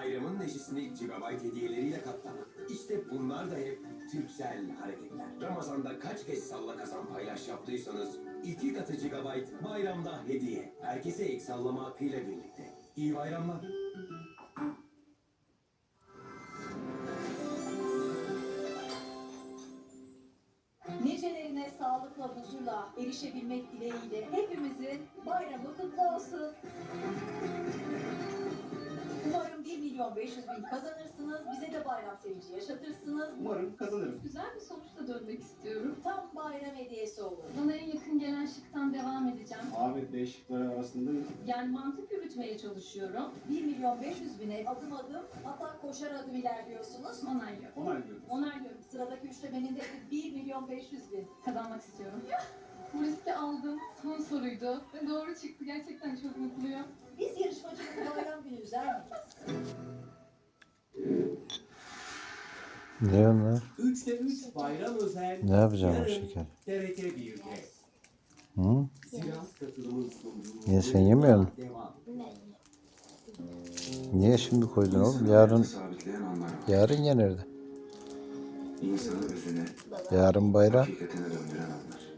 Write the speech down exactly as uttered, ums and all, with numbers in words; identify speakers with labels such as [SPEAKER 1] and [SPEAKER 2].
[SPEAKER 1] bayramın neşesini gigabayt hediyeleriyle katlama. İşte bunlar da hep Türksel hareketler. Ramazan'da kaç kez salla kazan paylaş yaptıysanız iki katı gigabayt bayramda hediye. Herkese ek sallama hakkıyla birlikte. İyi bayramlar.
[SPEAKER 2] Nicelerine sağlıkla, huzurla erişebilmek dileğiyle hepimizin bayramı kutlu olsun. Umarım bir milyon beş yüz bin kazanırsınız, bize de bayram sevinci yaşatırsınız.
[SPEAKER 3] Umarım kazanırım.
[SPEAKER 4] Güzel bir sonuçla dönmek istiyorum.
[SPEAKER 2] Tam bayram hediyesi olur.
[SPEAKER 4] Bana en yakın gelen şıktan devam edeceğim.
[SPEAKER 3] Ahmet Bey şıkları arasında
[SPEAKER 4] Yani mantık yürütmeye çalışıyorum.
[SPEAKER 2] bir milyon beş yüz bine adım adım, hatta koşar adım ilerliyorsunuz.
[SPEAKER 4] Onaylıyorum.
[SPEAKER 3] onaylıyoruz.
[SPEAKER 4] Onaylıyorum.
[SPEAKER 2] Sıradaki üçlemenin de bir milyon beş yüz bin.
[SPEAKER 4] Kazanmak istiyorum. Bu riski aldım. Son soruydu. Ve doğru çıktı. Gerçekten çok mutluyum.
[SPEAKER 2] Biz yarışmacımızı bayram günü üzer miyiz?
[SPEAKER 5] Ne onlar?
[SPEAKER 1] üçte üç bayram özel.
[SPEAKER 5] Ne yapacağım o
[SPEAKER 1] yarın
[SPEAKER 5] şeker?
[SPEAKER 1] T R T bir'de.
[SPEAKER 5] Hı?
[SPEAKER 1] Sivas katılımın sunduğu.
[SPEAKER 5] Niye sen yemiyorsun?
[SPEAKER 1] Devam.
[SPEAKER 5] Niye şimdi koydun oğlum? Yarın
[SPEAKER 6] sabitleyen onlar var.
[SPEAKER 5] yarın yenirdi.
[SPEAKER 6] İnsanı özüne,
[SPEAKER 5] Yarın bayram.
[SPEAKER 6] hakikatine döndüren anlar.